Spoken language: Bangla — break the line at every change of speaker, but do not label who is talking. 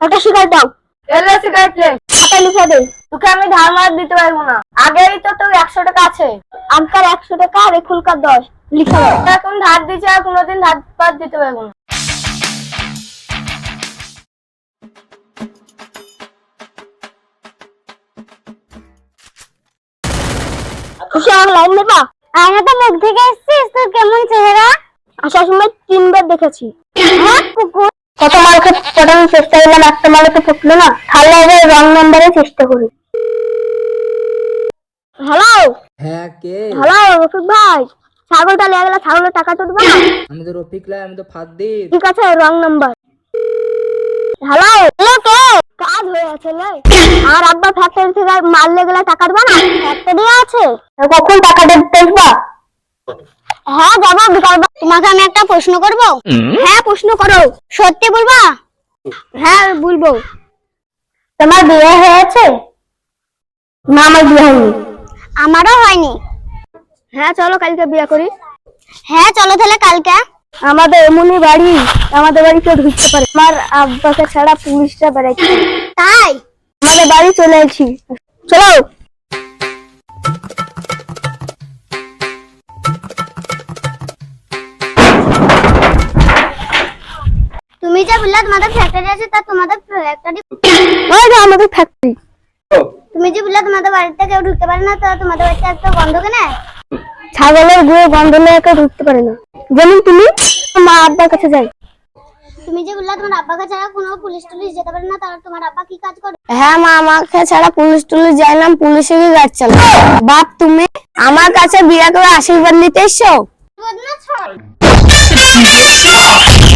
একটা সিগারেট দাও।
এলে সিগারেট নে।
টাকা লিখে দে।
তোকে আমি ধার মার দিতে পারবো না, আগেই তো তোর 100 টাকা আছে।
আমকার 100 টাকা আর এখুলকার 10 লিখে দাও।
এখন ধার দিচ্ছি আর কোনোদিন ধার পার দিতে পারবো না।
খুশি আমার লাইন নেবা? আমি তো মুখ থেকে এসেছিস, তোর কেমন চেহারা? আসার সময় 3 বার দেখেছি। হ্যাঁ কুকুর, কত মার পটানোর চেষ্টা করলাম, একটা মারে তো ফুটলো না। তাহলে এবার রং নাম্বারে চেষ্টা করি। হ্যালো
হ্যাঁ কে?
হ্যালো রফিক ভাই, ছাগলটা লেগে গেলে ছাগলের টাকা তো দেবা?
আমি তো রফিক লাই, আমি তো ফাদ্দির।
ঠিক আছে, রং নাম্বার। হ্যালো হ্যালো কে? কাজ হয়ে আছে লে। আর আব্বা ফ্যাক্টরি থেকে মাল লেগে গেলে টাকা দেবা না? ফ্যাক্টরি আছে, কখন টাকা দেবা? হ্যাঁ যাবো বিকাল। তোমাকে আমি একটা প্রশ্ন করব? হ্যাঁ প্রশ্ন করো। সত্যি বলবা? হ্যাঁ বলবো। তোমার বিয়ে হয়েছে? না আমার বিয়ে হয়নি। আমারও হয়নি। হ্যাঁ চলো কালকে বিয়ে করি। হ্যাঁ চলো তাহলে কালকে। আমাদের এমনই বাড়ি, আমাদের বাড়ি কেউ ঢুকতে পারে। আমার আব্বাকে ছাড়া পুলিশরা বেড়াইছে। তাই আমাদের বাড়ি চলে এসেছি, চলো। তুমি যে বললে তোমাদের ফ্যাক্টরি আছে, তা তোমাদের ফ্যাক্টরি ওই যে আমাদের ফ্যাক্টরি। তুমি যে বললে তোমাদের বাড়িতে কেউ ঢুকতে পারে না, তা তোমাদের বাড়িতে এত গন্ধ কেন? ছাগলের গুয়ে গন্ধ নিয়ে কেউ ঢুকতে পারে না। যেমন তুমি মা আব্বার কাছে যাই। তুমি যে বললে তোমার আব্বাকে ছাড়া কোনো পুলিশ টুলিশ যেতে পারে না, তাহলে তোমার আব্বা কি কাজ করে? হ্যাঁ মা, আমাকে ছাড়া পুলিশ টুলিশ যায় না, পুলিশেরই গাড়ি চালায়। বাপ তুমি আমার কাছে বিয়ে করে আশীর্বাদ নিতে এসছো?